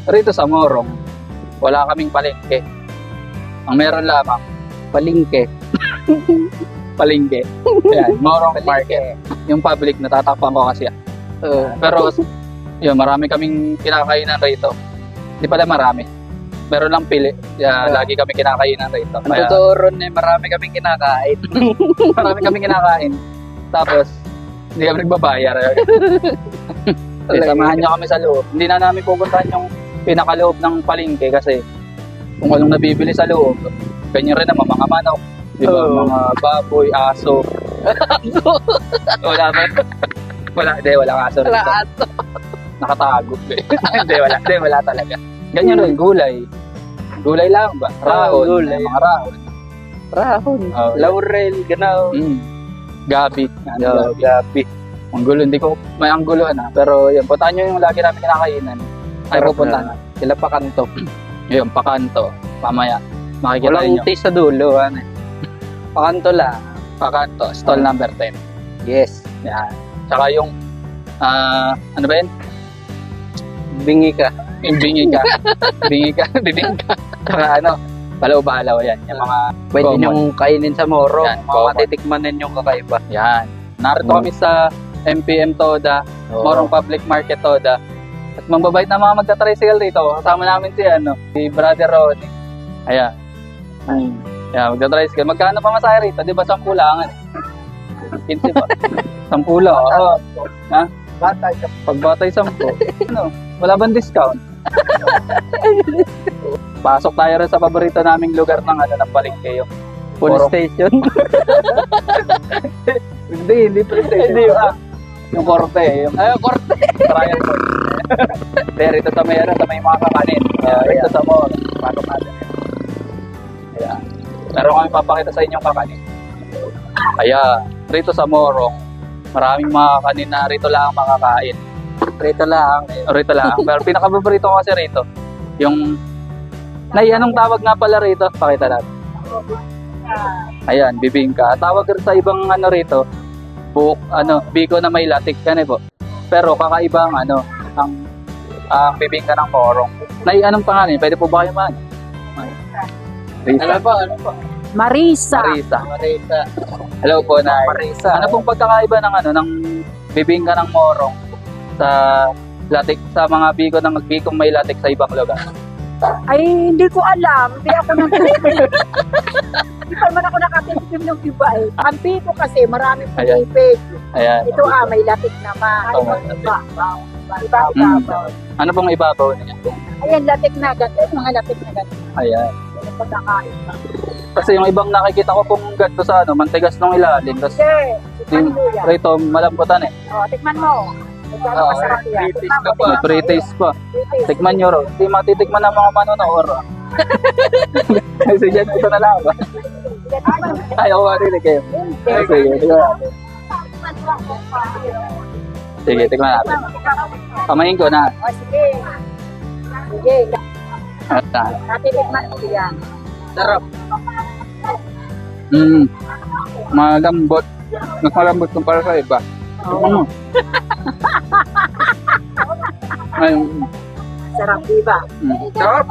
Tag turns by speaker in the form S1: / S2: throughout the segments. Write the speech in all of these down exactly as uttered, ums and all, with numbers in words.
S1: Rito sa Morong, wala kaming palengke. Ang meron lamang, palengke. Palengke. Yan, Morong Market. Yung public, natatakpan ko kasi yan.
S2: Uh,
S1: Pero, yun, marami kaming kinakainan rito. Hindi pala marami. Meron lang pili. Yeah,
S2: Yeah.
S1: lagi kami kinakainan rito.
S2: ang totoo ron eh, marami kaming kinakain.
S1: marami kaming kinakain. Tapos, hindi kami nagbabayar. Eh, samahan nyo kami sa loob. Hindi na namin pupuntahan yung pinakaloob ng palengke kasi kung anong nabibili sa loob, ganyan rin naman, mga manok, di ba?
S2: Oo.
S1: Mga baboy, aso. wala ba? Wala, hindi, wala aso rito.
S2: Lahat.
S1: Nakatago. hindi, wala. Hindi, wala talaga. Ganyan rin, gulay. Gulay lang ba? Rahon.
S2: Oo, gulay.
S1: Mga rahon.
S2: Rahon.
S1: Oo.
S2: Laurel, ganaw.
S1: Mm. Gabi. Ano,
S2: Yo,
S1: gabi.
S2: gabi.
S1: Ang gulo, hindi ko may ang gulo na. Pero yun, puntahan nyo yung lagi namin kinakainan. Ay,
S2: Sarap
S1: pupuntahan
S2: na.
S1: na.
S2: Sila pa kanto.
S1: Yun, pakanto. Mamaya, makikita
S2: Walang
S1: nyo.
S2: taste sa dulo. Ano? eh. Pakanto lang.
S1: Pakanto, stall
S2: Ah.
S1: number ten.
S2: Yes.
S1: Yan. Tsaka yung, ah, ano ba yun?
S2: Bingi ka.
S1: Yung bingi ka. bingi ka, bibing ka. Tsaka ano, balaw-balaw yan. Yung mga,
S2: Pwede
S1: Common.
S2: nyong kainin sa Moro.
S1: Yan,
S2: Mga
S1: common.
S2: matitikman ninyong kakaiba.
S1: yan. Narito
S2: Mm.
S1: kami sa M P M Toda, Morong Public Market Toda. At mambabait na mga magta-tricycle rito. Kasama namin si, ano, si Brother Ronnie. Ayan.
S2: Mm.
S1: Ayan, magta-tricycle. Magkano pa masaya rito? Di ba, sampu lang? quince ba? Sampu lang, oo. Ha?
S2: Batay ka.
S1: Pag batay sampu, ano, wala bang discount? Pasok tayo rin sa paborito naming lugar ng ano ng palengke yung
S2: Police
S1: Morong-
S2: station.
S1: Hindi, hindi PlayStation. Hindi ba? Yung korte, yung
S2: Ay, korte.
S1: trial court. Hindi, rito sa may ano, sa may mga kakanin. Uh, rito sa mall, paano natin. Ayan. Meron kami papakita sa inyong kakanin. Ayan, rito sa Morong, maraming mga kakanin na rito lang ang makakain.
S2: Rito lang.
S1: Rito lang. Pero pinaka-favorito ko kasi rito, yung, Nay, anong tawag nga pala rito? Pakita natin. Ayan, bibingka. Tawag rin sa ibang ano rito, buhok, ano, biko na may latik yan eh po. Pero kakaiba ang ano, ang ang bibingka ng Morong. Nay, anong pangalan? Pwede po ba kayo man? Risa.
S2: Ano pa? Ano pa?
S3: Marisa.
S1: Marisa.
S2: Marisa.
S1: Hello po, Nay.
S2: Marisa.
S1: Ano pong pagkakaiba ng ano, ng bibingka ng Morong sa latik, sa mga biko ng bikong may latik sa ibang lugar?
S3: Ay, hindi ko alam. Hindi ako nang Hindi pa naman ako nakatikim ng iba eh. Ang piko kasi marami
S1: Ayan.
S3: pinipig.
S1: Ayan.
S3: Ito ah, may latik naman.
S1: Oh,
S3: Iba,
S1: may
S3: iba. Iba,
S1: Mm.
S3: iba.
S1: Ano pong ibabaw niya?
S3: Ayan, latik na ganito. Mga latik na ganito.
S1: Ayan.
S3: Yung pagkakain.
S1: Kasi yung ibang nakikita ko pong ganito sa ano, mantigas ng ilalim. Tapos
S3: Kasi, tikman mo yan.
S1: rito, malambutan eh.
S3: O, tikman mo. Ito
S1: Oo.
S3: masarap yan.
S2: British
S3: Tikman mo,
S2: ka pa.
S3: tikman mo.
S1: Pre-taste pa.
S3: British.
S1: Tikman nyo ro. Hindi matitikman ng mga manonood. Kasi dyan, ito na lang.
S3: Tikman mo.
S1: Ay, ako marinig kayo. Ay, sige, tikman natin. Sige, tikman natin. Kamain ko na.
S3: O, sige. Sige.
S1: At, ah,
S3: Natitikman mo yan.
S2: Sarap.
S1: Mm. Malambot. Mas malambot kumpara sa iba. Ano? Ay,
S3: Sarap, diba?
S1: mm. Sarap.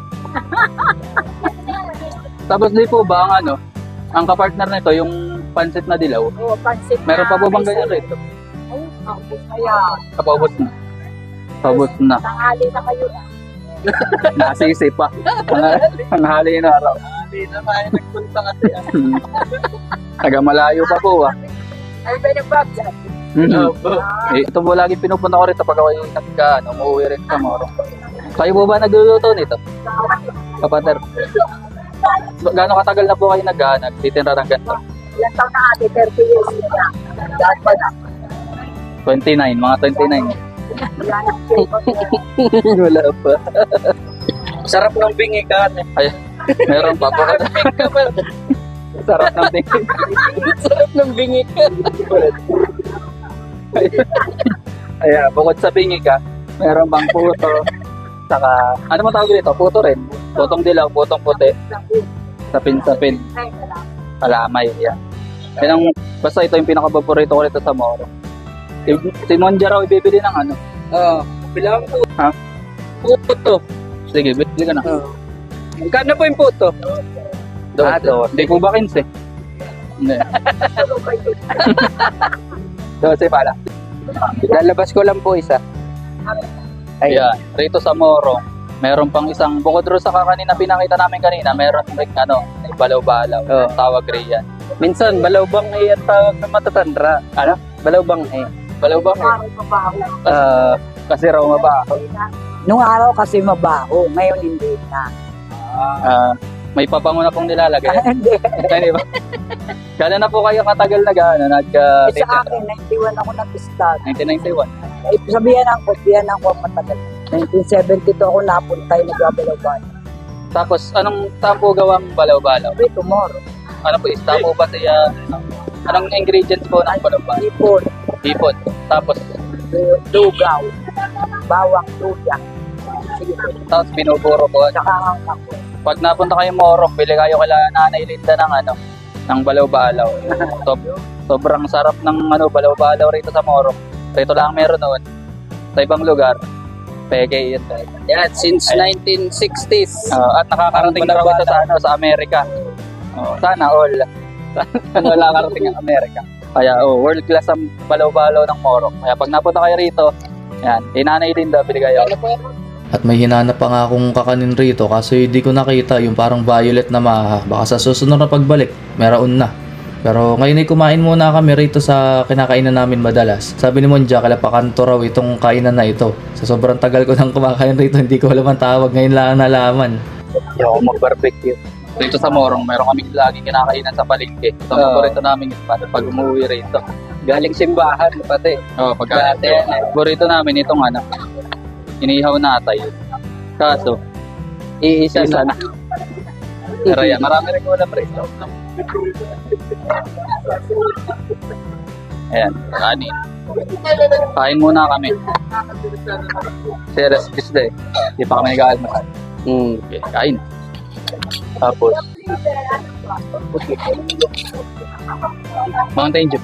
S1: Tapos di po ba ang ano, ang kapartner nito, yung pansit na dilaw,
S3: O, pansit na.
S1: meron pa po bang
S3: may
S1: ganyan
S3: sabaw.
S1: rito?
S3: Ay, ang ayan.
S1: Kapabot na. Pabot na.
S3: Tanghali na kayo na.
S1: Nasisi pa. Ang hali na araw.
S2: Hindi na tayo nagpunta kasi.
S1: Taga malayo pa po ah.
S3: Ay, ba yung bag dyan?
S1: Mhm. Eh, ito po lagi pinupunta ko rito pag ako yung nagka, ano, umuwi rin sa Morong. Kayo po ba nagluluto nito? Kapatid. Gaano katagal na po kayo nag, uh, nagtitinra ng ganito?
S3: Ilang taon na ate? thirty years na. Dahil pa na.
S1: twenty-nine, mga twenty-nine.
S3: Yan ang favorite.
S1: Wala pa.
S2: Sarap ng bingi ka.
S1: Ay, meron pa po. Sarap ng tingin.
S2: Sarap ng bingi ka.
S1: Ayan, bukod sa bingi ka, meron bang puto, saka, ano mo tawag dito? Puto rin. Putong dilaw, putong puti, sapin-sapin, kalamay, yan. Yan ang, basta ito yung pinaka-paborito ko rito sa Moro. Si, si Monja raw ibibili ng ano,
S2: Oo. Bilang po. Puto.
S1: Sige, bili ka na.
S2: Oh. Magkano po yung puto?
S1: Ah, doon. Hindi po ba quince? Hindi. Dose pala.
S2: Lalabas ko lang po isa.
S1: Ayan. Rito sa Morong, meron pang isang, bukod ro sa kakanin na pinakita namin kanina, meron like, ano, balaw-balaw.
S2: Oo.
S1: Tawag riyan.
S2: Minsan, balawbang ay ang tawag ng matatandra.
S1: Ano?
S2: Balawbang ay.
S1: Balaw-bang eh.
S3: Araw mabaho.
S1: Ah, kasi raw mabaho.
S3: Nung araw kasi mabaho, ngayon hindi na.
S1: Ah, may pabango na pong nilalagay.
S3: Hindi.
S1: Hindi ba? Kala na po kayo katagal na gano'n, nagka
S3: Eh, sa akin, ninety-one ako nag-start.
S1: nineteen ninety-one.
S3: Eh, sabihan ako, sabihan ako matagal. nineteen seventy-two ako napunta yung nagbabalawan.
S1: Tapos, anong saan po gawang balaw-balaw?
S3: Wait, tomorrow.
S1: Ano po, isda po ba siya? Anong ingredients po ng balaw-balaw?
S3: Ipon,
S1: Hipon. Tapos,
S3: lugaw, bawang luya. Sige,
S1: tapos binuburo po.
S3: saka ang ako.
S1: Pag napunta kayo Morong, bili kayo kala Nanay Linda ng ano, ng balaw-balaw. So, sobrang sarap ng ano, balaw-balaw rito sa Morong. Rito lang meron noon. Sa ibang lugar, peke yun.
S2: Yan, since nineteen sixties.
S1: Uh, at nakakarating na raw ito sa, ano, sa Amerika. Oh, sana all. Sana wala nakarating ang Amerika. Kaya oh, world class ang balaw-balaw ng Morong. Kaya pag napunta kayo rito, yan, Nanay Linda, bili kayo.
S4: At may hinanap pa nga akong kakanin rito kaso hindi ko nakita yung parang violet na maha. Baka sa susunod na pagbalik, meron na. Pero ngayon ay kumain muna kami rito sa kinakainan namin madalas. Sabi ni Monja, kalapakanto raw itong kainan na ito. Sa sobrang tagal ko nang kumakain rito, hindi ko alam ang tawag. Ngayon lang nalaman.
S1: Hindi ako mag-barbecue. Dito sa Morong, meron kaming lagi kinakainan sa palengke. Sa
S2: Oo.
S1: paborito namin yung spot pag umuwi rito.
S2: Galing simbahan, pati.
S1: Oo, oh, pagka
S2: Dati yan eh.
S1: paborito namin itong ano, inihaw na atay. Kaso,
S2: Iisa
S1: isa
S2: na.
S1: na. Pero yan, marami rin ulam rito. Ayan, kanin. Kain muna kami. Serious Tuesday. Hindi pa kami nag-aalmasal.
S2: Mm.
S1: Okay, kain. Tapos, Mountain Dew.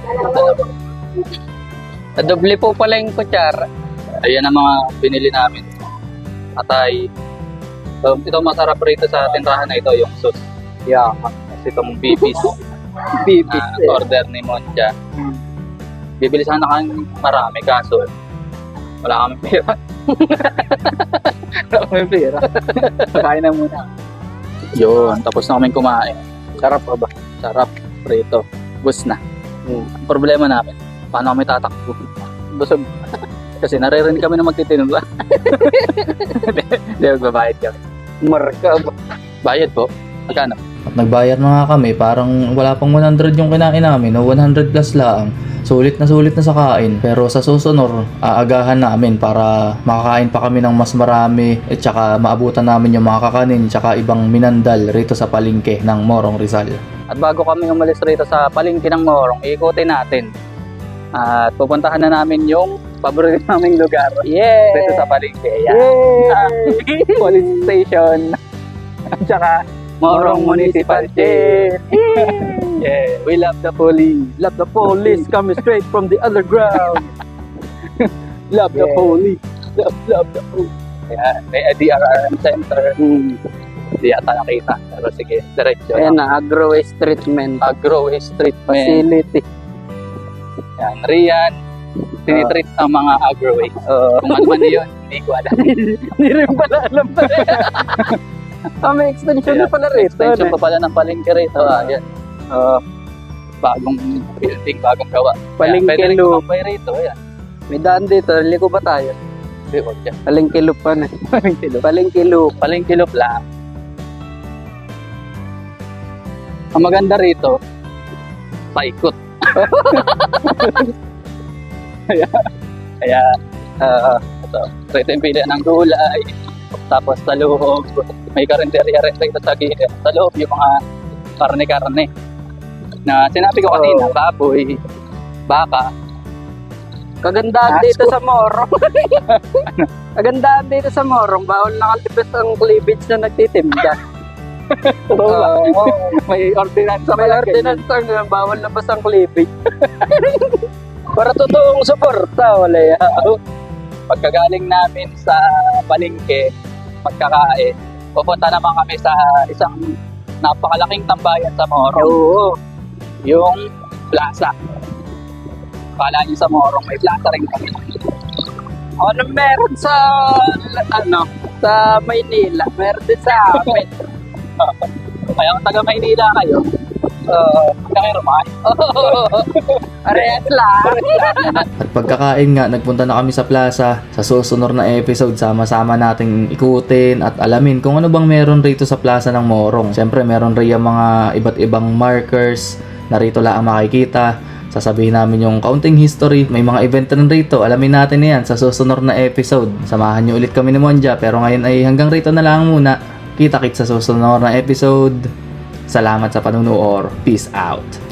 S2: Doble po pala yung kutsara.
S1: Ayan ang mga binili namin. Atay. So, ito masarap rito sa tindahan na ito, yung sauce. Yeah. Kasi itong bibis.
S2: Bibis
S1: na
S2: eh.
S1: order ni Monja. Bibili sana kami marami, kaso wala kami pera. Wala kami pera. Kain na muna. Yun, tapos na kami kumain. Sarap pa ba? Sarap. Prito. Bus na.
S2: Hmm.
S1: Ang problema namin, paano kami tatakbo? Busog. Kasi naririnig kami na magtitinula. Hindi, magbabayad kami.
S2: Marka ba?
S1: Bayad po. Magkano?
S4: At nagbayad na nga kami, parang wala pang one hundred yung kinain namin, no? one hundred plus lang. Sulit na sulit na sa kain. Pero sa susunod, aagahan namin para makakain pa kami ng mas marami at saka maabutan namin yung mga kakanin tsaka ibang minandal rito sa palengke ng Morong Rizal.
S1: At bago kami umalis rito sa palengke ng Morong, ikutin natin. At pupuntahan na namin yung paborito naming lugar.
S2: Yeah!
S1: Dito sa palengke. Yan. Ah, police station. At saka Morong Municipal Jail. Yeah, we love the police.
S2: Love the police coming straight from the underground.
S1: Love the
S2: Yeah.
S1: police. Love, love the police. Yan, may D R R M Center.
S2: Hmm.
S1: Hindi yata nakita. Pero sige, diretso.
S2: Ayan na, agro waste treatment
S1: Agro waste treatment.
S2: facility.
S1: Yan, Rian. Tinitreat ang mga agro waste.
S2: Uh,
S1: Kung ano man yun, hindi ko alam.
S2: Hindi rin pala alam pa rin. Ah, may extension na pala rito.
S1: Extension
S2: ano?
S1: pa pala ng palengke rito. Ah, yan. Uh, bagong building, bagong gawa.
S2: Palengke
S1: Kaya, pwede rin
S2: loop.
S1: kumabay rito. Yan.
S2: May daan dito, liko ba tayo?
S1: Hindi, wag yan.
S2: Palengke loop pa na.
S1: Palengke loop.
S2: Palengke loop.
S1: Palengke loop lang. Ang maganda rito, paikot. kaya, kaya, ah, ito, rito yung pilihan ng gulay. Tapos sa loob, may karinderya rin rito sa gilid. Sa loob, yung mga karne-karne. Na sinabi ko kanina, baboy, baka.
S2: Kagandaan
S1: Asko.
S2: dito sa Morong. Kagandaan dito sa Morong. Bawal nakalipis ang cleavage na nagtitinda.
S1: Oo, may ordinance sa
S2: May ordinance ang bawal labas ang cleavage. Para totoong suporta, wala yan.
S1: pagkagaling namin sa palengke, magkakain, pupunta naman kami sa isang napakalaking tambayan sa Morong.
S2: Oo.
S1: Yung plaza. Kala niyo sa Morong, may plaza rin kami.
S2: Ano meron sa, ano, sa Maynila? Meron din sa amin.
S1: Kaya kung taga Maynila kayo, uh, kakirumahan.
S2: Parehas lang.
S4: At pagkakain nga, nagpunta na kami sa plaza. Sa susunod na episode, sama-sama nating ikutin at alamin kung ano bang meron rito sa plaza ng Morong. Siyempre, meron rin yung mga iba't ibang markers na rito lang makikita. Sasabihin namin yung kaunting history. May mga event rin rito. Alamin natin yan sa susunod na episode. Samahan nyo ulit kami ni Monja. Pero ngayon ay hanggang rito na lang muna. Kita-kits sa susunod na episode. Salamat sa panunood. Peace out.